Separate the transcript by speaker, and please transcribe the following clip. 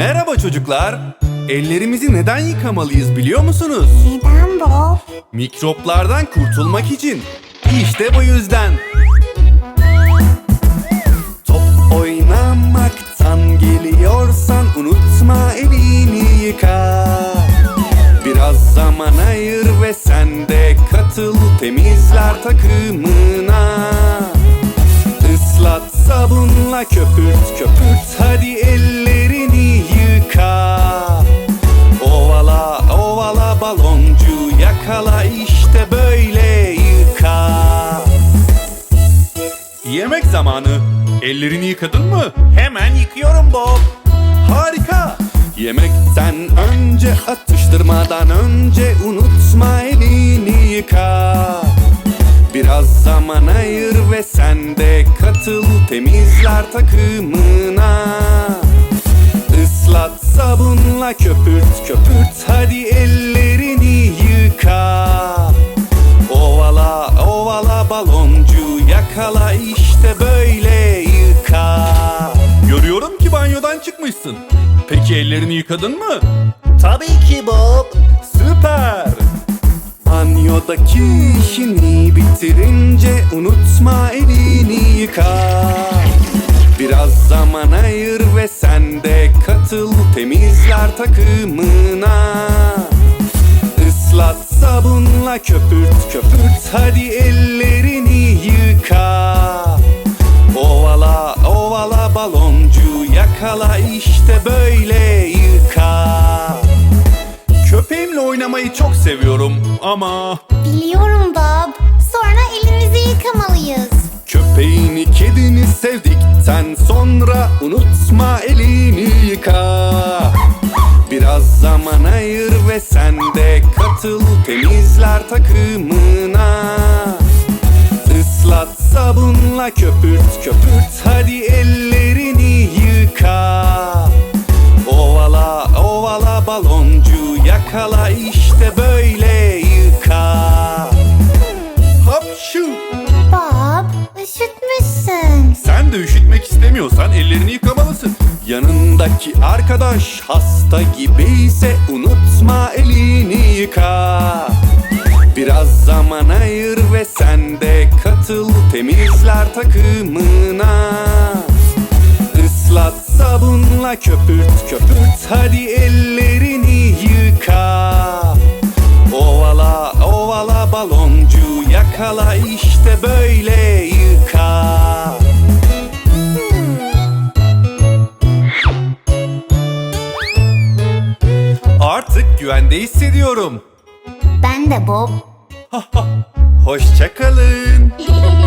Speaker 1: Merhaba çocuklar. Ellerimizi neden yıkamalıyız biliyor musunuz?
Speaker 2: Neden Bob?
Speaker 1: Mikroplardan kurtulmak için. İşte bu yüzden. Top oynamaktan geliyorsan unutma elini yıka. Biraz zaman ayır ve sen de katıl temizler takımına. Islat sabunla köpürt köpürt hadi ellerini yıka. Ovala ovala baloncu yakala işte böyle yıka. Yemek zamanı. Ellerini yıkadın mı? Hemen yıkıyorum Bob. Harika. Yemekten önce atıştırmadan önce unutma elini yıka. Biraz zaman ayır ve sen de katıl temizler takımına. Islat sabunla köpürt köpürt hadi ellerini yıka. Ovala ovala baloncu yakala işte böyle yıka. Görüyorum ki banyodan çıkmışsın. Peki ellerini yıkadın mı?
Speaker 3: Tabii ki Bob.
Speaker 1: Süper! Banyodaki işini bitirince unutma elini yıka. Biraz zaman ayır ve sen de katıl temizler takımına. Islat sabunla köpürt köpürt hadi ellerini yıka. Ovala ovala baloncu yakala işte böyle yıka. Köpeğimle oynamayı çok seviyorum ama
Speaker 2: Biliyorum Bob. Sonra elimizi yıkamalıyız.
Speaker 1: köpeğini kedini sevdikten sonra unutma elini yıka. Biraz zaman ayır ve sen de katıl temizler takımına. Islat sabunla köpürt köpürt hadi ellerini yıka. Ovala ovala baloncu yakala işte böyle yıka. Hapşu!
Speaker 2: Bob, üşütmüşsün.
Speaker 1: Sen de üşütmek istemiyorsan ellerini yıkamalısın. Yanındaki arkadaş hasta gibiyse unutma elini yıka. Biraz zaman ayır ve sen de katıl temizler takımına. Islat sabunla köpürt köpürt hadi ellerini yıka. Ovala ovala baloncu yakala işte böyle yıka. Artık güvende hissediyorum.
Speaker 2: Ben de Bob.
Speaker 1: Hoşça kalın.